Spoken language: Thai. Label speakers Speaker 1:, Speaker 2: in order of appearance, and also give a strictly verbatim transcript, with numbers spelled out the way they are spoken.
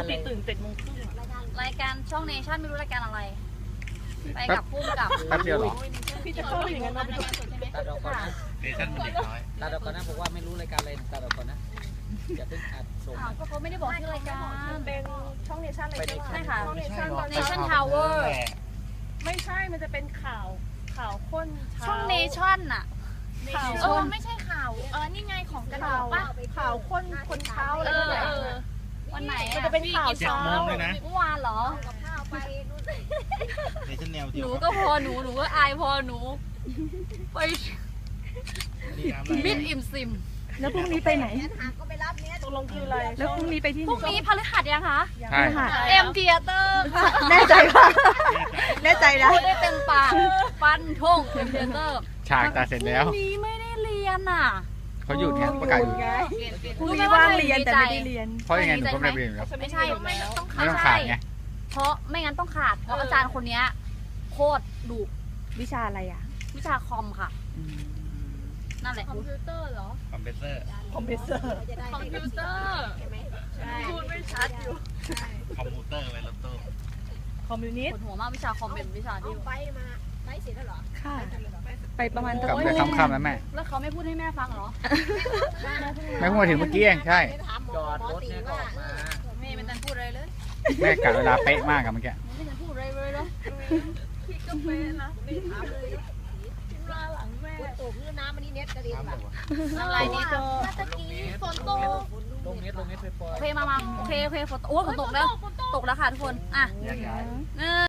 Speaker 1: ติตื่นเจ็ดโมงครึ่ง
Speaker 2: รายการช่องเนชั่นไม่รู้รายการอะไรไปกับพุ่มกับ
Speaker 3: แป๊บเดียวหรอ
Speaker 1: พี่จะเข้าอย่างนั้นนะพี่
Speaker 4: ตัดออกก่อนนะ
Speaker 5: เนชั่นมันเด็กน้อย
Speaker 4: ตัดออกก่อนนะบอกว่าไม่รู้รายการอะไรตัดออกก่อนนะอย่าเพิ่งอัดส่ง
Speaker 2: อ้าวก็เขาไม่ได้บอกชื่อรายการ
Speaker 1: เป็นช่องเนชั่นอะไร
Speaker 2: ใช่ค่ะ
Speaker 1: ช่องเนชั่นตอน
Speaker 2: เน
Speaker 1: นี้
Speaker 2: ชั่นทาวเวอร์
Speaker 1: ไม่ใช่มันจะเป็นข่าวข่าวข้นเช้า
Speaker 2: ช่องเนชั่นอะ
Speaker 1: ข่าว
Speaker 2: เออไม่ใช่ข่าวเออนี่ไงของกระดา
Speaker 1: ข่า
Speaker 2: ษ
Speaker 1: ว
Speaker 2: ป่ะ
Speaker 1: ข่าวข้นคนเช้าอะไร
Speaker 2: เออ
Speaker 1: แบบ
Speaker 2: เออวันไหน
Speaker 1: มัน
Speaker 2: อะ
Speaker 1: จะเป็นข่าว
Speaker 5: เจ็ด
Speaker 1: เช้า
Speaker 5: โมงเลยนะ
Speaker 2: เมื่อวานเหรอ
Speaker 5: เนชั่นแนว
Speaker 2: ห
Speaker 5: เดียว
Speaker 2: นูก็พอหนูหนูก็อายพอหนูไปมิดอิ่มซิม
Speaker 6: แล้วพรุ่งนี้ไปไหน
Speaker 1: ตกลงคืออะไร
Speaker 6: แล้วพรุ่งนี้ไปที่ไห
Speaker 2: พ
Speaker 6: น
Speaker 2: รุ่งนี้พฤหัสยังคะ
Speaker 3: ใช่
Speaker 2: เอ็มเทียเตอร์ค่ะ
Speaker 6: แน่ใจป่ะแน่ใจนะ
Speaker 2: พูดได้เต็มปากฟันทงเอ็มเทียเตอร์
Speaker 3: ฉากตาเสร็จแล้ว
Speaker 2: พรุ่งนี้ไม่ได้เรียนอ่ะ
Speaker 3: เขาหยุดไงประกาศหยุด
Speaker 6: พรุ่งนี้ว่างเรียนแต่ไม่ได้เรียน
Speaker 3: เพราะยังไงหนูก็ไม่ได้เรียนอยู่แล้ว
Speaker 2: ไม่ใช่ไม่ต้อง
Speaker 3: ไม่ต้องขาดไง
Speaker 2: เพราะไม่งั้นต้องขาด เพราะอาจารย์คนเนี้ยโคตรดุ
Speaker 6: วิชาอะไรอ่ะ
Speaker 2: วิชาคอมค่ะ นั่นแหละ
Speaker 5: คอมเพรสเซอร์
Speaker 1: คอมเพรสเซอร์
Speaker 2: คอมพิวเตอร์
Speaker 1: พูดไม่ชัดอยู่
Speaker 5: คอมพิวเตอร์ไวรัลโต้
Speaker 1: คอมมิวนิส
Speaker 2: ปว
Speaker 1: ต์
Speaker 2: ดหัวมากวิชาคอมเป็นวิชาที่
Speaker 6: ค่ะ ไปประมาณ
Speaker 3: กลับไปค่ำๆแล้วแม่
Speaker 2: แล้วเขาไม่พูดให้แม่ฟังเหรอ
Speaker 3: แม่เพิ่งมาถึงเมื่อกี้เองใช่
Speaker 4: จอดรถเนี่ยก็ออกมา
Speaker 2: แม่ไม่ทันพูดอะไรเลย
Speaker 3: แม่กะเวลาเป๊ะมากอะเมื่อกี้
Speaker 2: ไม่ทันพูดอะไรเลยเลย
Speaker 1: พี่ก็เป็นนะไม่ถามเลยพิมพ์ลาหลังแม่
Speaker 2: อะไรนี่
Speaker 1: เจอ
Speaker 2: ตะกี้ฝนตก
Speaker 4: ลงเน็ตลงเน็ตไปปล่อย
Speaker 2: โอเคมามาโอเคโอเคฝนตกโอ้ยฝนตกแล้ว ตกแล้วค่ะทุกคน อ่ะ
Speaker 3: ย้าย
Speaker 2: เออ